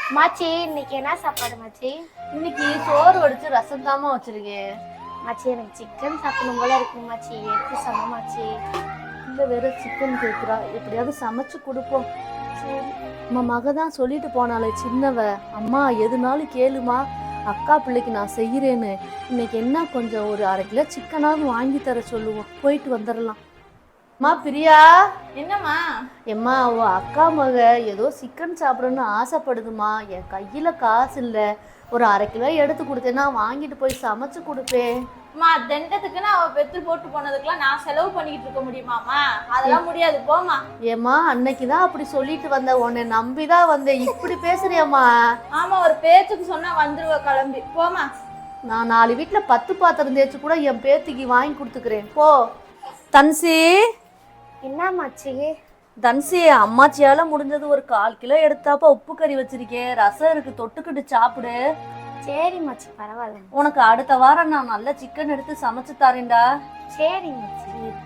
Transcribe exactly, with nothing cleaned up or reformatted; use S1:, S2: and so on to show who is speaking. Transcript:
S1: மாச்சி இன்னைக்கு என்ன சாப்பாடு மாச்சி?
S2: இன்னைக்கு சோறு வடிச்சு ரசம் தாமா வச்சிருக்கேன்.
S1: மாச்சி எனக்கு சிக்கன் சாப்பிடணும் போல இருக்கு மாச்சி. எடுத்து சம மாச்சி.
S2: இந்த வேற சிக்கன் கேட்குறா, எப்படியாவது சமைச்சு கொடுப்போம். நம்ம மக தான் சொல்லிட்டு போனாலே சின்னவ, அம்மா எதுனாலும் கேளுமா, அக்கா பிள்ளைக்கு நான் செய்கிறேன்னு. இன்னைக்கு என்ன கொஞ்சம் ஒரு அரை கிலோ சிக்கனாவது வாங்கி தர சொல்லுவோம், போயிட்டு வந்துடலாம். அம்மா பிரியா.
S3: என்னம்மா?
S2: எம்மா அவ அக்கா மக ஏதோ சிக்கன் சாப்பிடணும்னு ஆசைப்படுதுமா. என் கையில காசு இல்லை, ஒரு அரை கிலோ எடுத்து கொடுத்தேன்னா வாங்கிட்டு போய் சமைச்சு கொடுப்பேன்.
S3: அம்மா தண்டத்துக்குன்னு அவ பெத்து போட்டு போனதுக்கெல்லாம் நான் செலவு பண்ணிக்கிட்டு இருக்க முடியுமாம்மா? அதெல்லாம் முடியாது, போமா.
S2: ஏம்மா அன்னைக்கு தான் அப்படி சொல்லிட்டு வந்த, உன்னை நம்பிதான் வந்தேன், இப்படி பேசுறியம்மா?
S3: ஆமா, ஒரு பேச்சுக்கு சொன்னா வந்துருவ கிளம்பி, போமா.
S2: நான் நாலு வீட்டுல பத்து பாத்திரம் தேய்ச்சி கூட என் பேத்திக்கு வாங்கி கொடுத்துக்கிறேன், போ. தன்சி.
S1: என்ன மாச்சி?
S2: தன்சி, அம்மாச்சியால முடிஞ்சது ஒரு கால் கிலோ எடுத்தாப்பா உப்பு கறி வச்சிருக்கேன், ரசம் இருக்கு, தொட்டுக்கிட்டு சாப்பிடு.
S1: சரி மாச்சி, பரவாயில்ல.
S2: உனக்கு அடுத்த வாரம் நான் நல்ல சிக்கன் எடுத்து சமைச்சு தரேன்டா.
S1: சரி மாச்சி.